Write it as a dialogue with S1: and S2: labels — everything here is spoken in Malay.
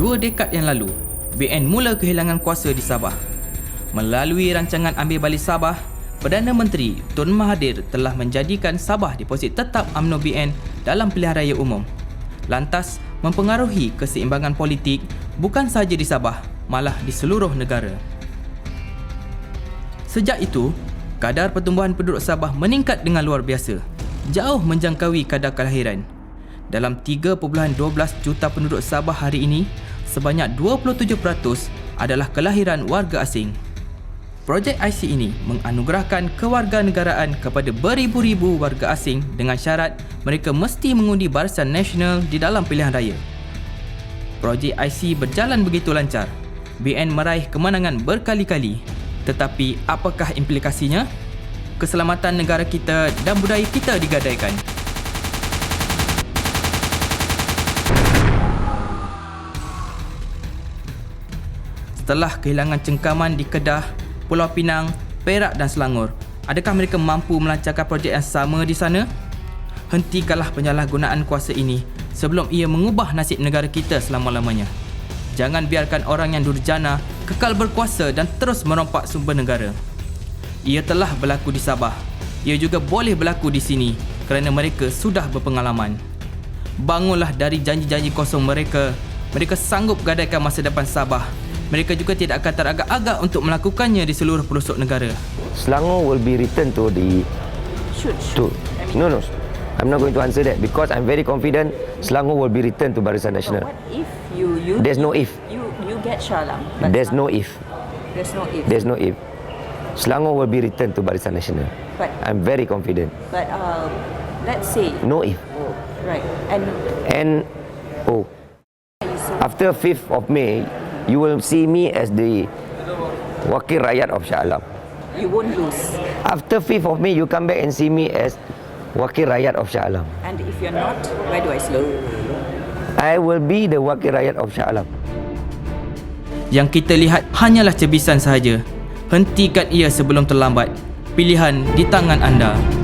S1: 2 dekad yang lalu, BN mula kehilangan kuasa di Sabah. Melalui rancangan Ambil Balik Sabah, Perdana Menteri Tun Mahathir telah menjadikan Sabah deposit tetap UMNO BN dalam pilihan raya umum. Lantas, mempengaruhi keseimbangan politik bukan sahaja di Sabah, malah di seluruh negara. Sejak itu, kadar pertumbuhan penduduk Sabah meningkat dengan luar biasa, jauh menjangkaui kadar kelahiran. Dalam 3.12 juta penduduk Sabah hari ini, sebanyak 27% adalah kelahiran warga asing. Projek IC ini menganugerahkan kewarganegaraan kepada beribu-ribu warga asing dengan syarat mereka mesti mengundi Barisan Nasional di dalam pilihan raya. Projek IC berjalan begitu lancar. BN meraih kemenangan berkali-kali. Tetapi apakah implikasinya? Keselamatan negara kita dan budaya kita digadaikan. Setelah kehilangan cengkaman di Kedah, Pulau Pinang, Perak dan Selangor, adakah mereka mampu melancarkan projek yang sama di sana? Hentikanlah penyalahgunaan kuasa ini sebelum ia mengubah nasib negara kita selama-lamanya. Jangan biarkan orang yang durjana kekal berkuasa dan terus merompak sumber negara. Ia telah berlaku di Sabah. Ia juga boleh berlaku di sini kerana mereka sudah berpengalaman. Bangunlah dari janji-janji kosong mereka. Mereka sanggup gadaikan masa depan Sabah. Mereka juga tidak akan teragak-agak untuk melakukannya di seluruh pelosok negara.
S2: Selangor will be returned to the... No. I'm not going to answer that because I'm very confident Selangor will be returned to Barisan Nasional.
S3: What if you
S2: There's no if.
S3: You get Shah Alam.
S2: There's no if.
S3: There's no if.
S2: There's no if. Selangor will be returned to Barisan Nasional.
S3: But
S2: I'm very confident.
S3: But let's say
S2: No if.
S3: right
S2: And after 5th of May, you will see me as the Wakil Rakyat of Shah Alam.
S3: you won't lose.
S2: After 5th of May, you come back and see me as Wakil Rakyat of Shah Alam.
S3: And if you're not, where do I sleep?
S2: I will be the Wakil Rakyat of Shah Alam.
S1: Yang kita lihat hanyalah cebisan sahaja. Hentikan ia sebelum terlambat. Pilihan di tangan anda.